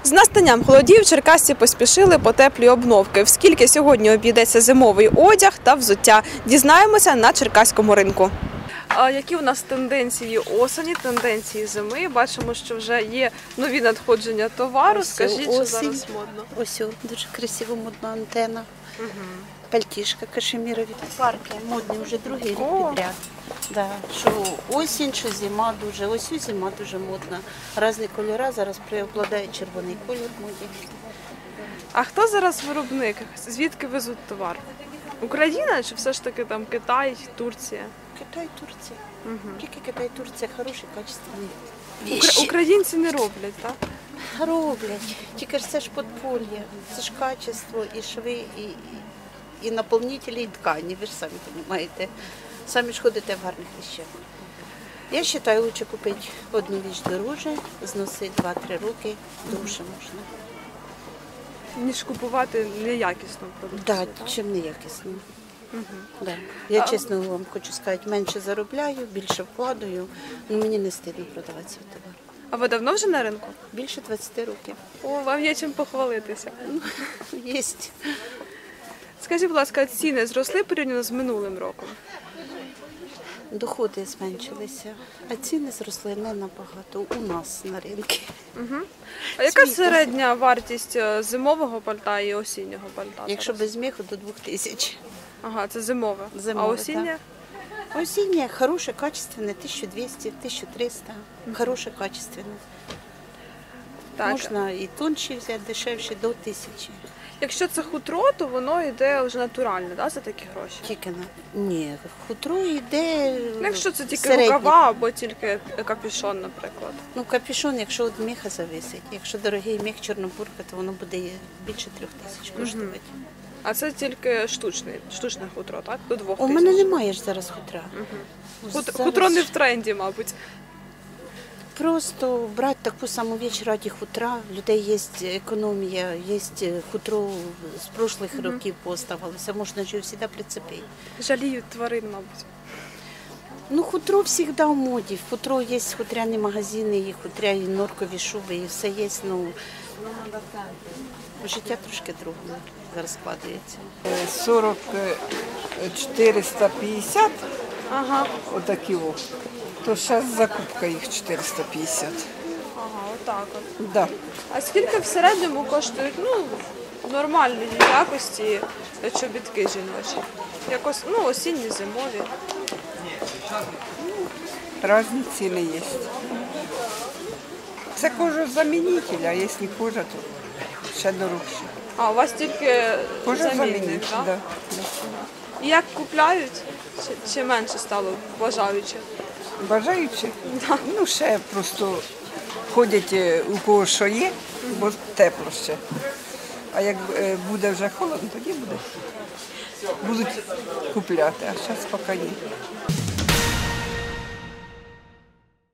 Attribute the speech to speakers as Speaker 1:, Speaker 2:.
Speaker 1: З настанням холодів черкасці поспішили по теплі обновки. В скільки сьогодні обійдеться зимовий одяг та взуття? Дізнаємося на черкаському ринку. А які у нас тенденції осені, тенденції зими? Бачимо, що вже є нові надходження товару. Скажіть, що зараз модно?
Speaker 2: Ось дуже красиво модна антена. Пальтішка кашемірові. Парки модні вже другий рік підряд. Да. Що осінь, що зима дуже. Ось зима дуже модна. Різні кольори, зараз преобладає червоний колір в моді.
Speaker 1: А хто зараз виробник? Звідки везуть товар? Україна чи все ж таки там Китай, Турція?
Speaker 2: Китай, Турція. Тільки Китай, Турція хороші, качественні.
Speaker 1: Українці не роблять, так?
Speaker 2: Роблять. Тільки ж це ж подполье. Це ж качество, і шви, і наповнителі, і ткані. Ви ж самі розумієте. Самі ж ходите в гарних вещах. Я вважаю, краще купити одну річ дороже, зносити 2-3 роки, довше можна.
Speaker 1: Ніж купувати неякісну продукцію.
Speaker 2: Так, чим неякісно. Да. Я чесно вам хочу сказати, менше заробляю, більше вкладаю, але мені не стидно продавати свій товар.
Speaker 1: А ви давно вже на ринку?
Speaker 2: Більше 20 років.
Speaker 1: О, вам є чим похвалитися.
Speaker 2: Єсть.
Speaker 1: Скажіть, будь ласка, ціни зросли порівняно з минулим роком?
Speaker 2: Доходи зменшилися, а ціни зросли не набагато у нас на ринку.
Speaker 1: А яка середня вартість зимового пальта і осіннього пальта?
Speaker 2: Якщо без міху, до 2000.
Speaker 1: Ага, це зимове.
Speaker 2: Зимове,
Speaker 1: а осіннє?
Speaker 2: Так. Осіннє хороше, качественне, 1200, 1300. Хороше, качественне.
Speaker 1: Так.
Speaker 2: Можна і тонші взяти, дешевші, до 1000.
Speaker 1: Якщо це хутро, то воно йде вже натуральне, да, за такі гроші?
Speaker 2: Тільки ні, хутро йде.
Speaker 1: Якщо це тільки
Speaker 2: середнє.
Speaker 1: рукава або тільки капюшон, наприклад.
Speaker 2: Ну, капюшон, якщо від міха зависить. Якщо дорогий міх чорнобурка, то воно буде більше 3000 коштувати.
Speaker 1: А це тільки штучне хутро, так? До 2000.
Speaker 2: У мене немає ж зараз хутра.
Speaker 1: Хутро не в тренді, мабуть.
Speaker 2: Просто брати таку саму віч раді хутра. В людей є економія, є хутро з прошлих років поставилося. Можна ж його завжди прицепити.
Speaker 1: Жаліють тварин, мабуть.
Speaker 2: Ну, хутро завжди в моді. Хутро є хутряні магазини, і хутряні норкові шуби, і все є. Ну, життя трошки другому зараз складається.
Speaker 3: 40 450,
Speaker 1: Ага.
Speaker 3: отакі о. То зараз закупка їх 450.
Speaker 1: Ага, отак от.
Speaker 3: Да.
Speaker 1: А скільки в середньому коштують, нормальної якості чобітки жіночі? Якось, осінні, зимові.
Speaker 3: Різні ціни є. Це кожозамінитель, а якщо кожа, то ще дорожче.
Speaker 1: А, у вас тільки замінник,
Speaker 3: Кожозамінитель,
Speaker 1: так?
Speaker 3: да.
Speaker 1: І як купляють? Чи менше стало бажаючих?
Speaker 3: Бажаючи? Ну, ще просто ходять у кого що є, бо тепло ще. А як буде вже холодно, тоді будуть купляти, а зараз поки ні.